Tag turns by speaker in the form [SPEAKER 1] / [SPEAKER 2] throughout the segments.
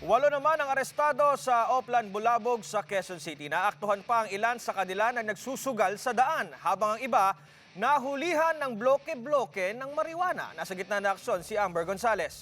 [SPEAKER 1] Walo naman ang arestado sa Oplan, Bulabog sa Quezon City. Naaktuhan pa ang ilan sa kanila na nagsusugal sa daan, habang ang iba nahulihan ng bloke-bloke ng marijuana. Nasa gitna ng aksyon si Amber Gonzales.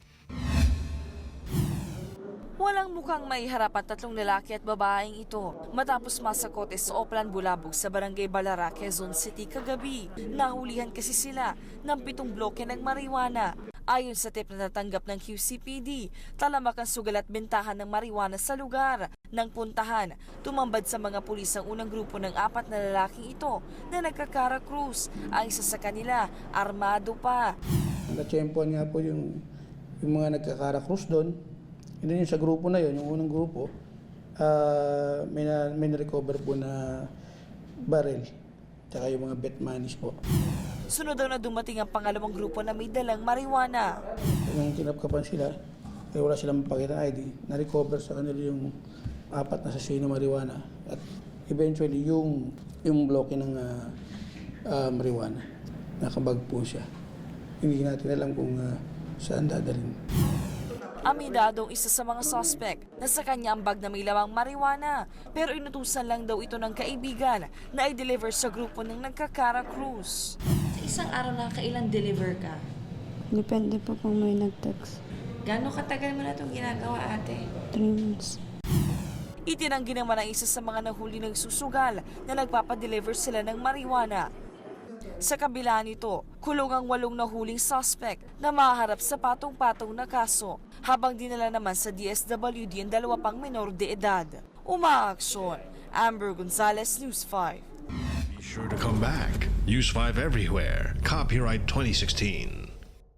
[SPEAKER 2] Walang mukhang maiharap ang tatlong lalaki at babaeng ito matapos masakote sa Oplan, Bulabog sa Barangay Balara, Quezon City kagabi. Nahulihan kasi sila ng 7 bloke ng marijuana. Ayon sa tip na natanggap ng QCPD, talamak ang sugal at bentahan ng marijuana sa lugar. Nang puntahan, tumambad sa mga pulis ang unang grupo ng 4 na lalaking ito na nagkakara krus. Ang isa sa kanila, armado pa.
[SPEAKER 3] Natsyempoan nga po yung mga nagkakara krus doon. Hindi yung sa grupo na yun, yung unang grupo, may na-recover po na barrel, tsaka yung mga bet monies po.
[SPEAKER 2] Sunod daw na dumating ang pangalawang grupo na may dalang marijuana.
[SPEAKER 3] Nung kinapkapan sila, wala silang mapakita ID, na-recover sa kanila yung 4 na sachet na marijuana. At eventually, yung bloke ng marijuana, nakabag po siya. Hindi natin alam kung saan dadalhin.
[SPEAKER 2] Amidadong isa sa mga suspect na sa kanya ang bag na may lawang marijuana, pero inutusan lang daw ito ng kaibigan na i-deliver sa grupo ng nagkakara krus. Sa isang araw na kailan deliver ka?
[SPEAKER 4] Depende po kung may nag-text.
[SPEAKER 2] Gano'ng katagal mo na itong ginagawa, ate?
[SPEAKER 4] 3 months.
[SPEAKER 2] Itinanggi naman ang isa sa mga nahuli ng susugal na nagpapadeliver sila ng marijuana. Sa kabila nito, kulong ang 8 nahuling suspect na maharap sa patong-patong na kaso, habang dinala naman sa DSWD ang 2 pang menor de edad. Umaaksyon, Amber Gonzales, News 5.
[SPEAKER 5] Be sure to come back. Use 5 everywhere. Copyright 2016.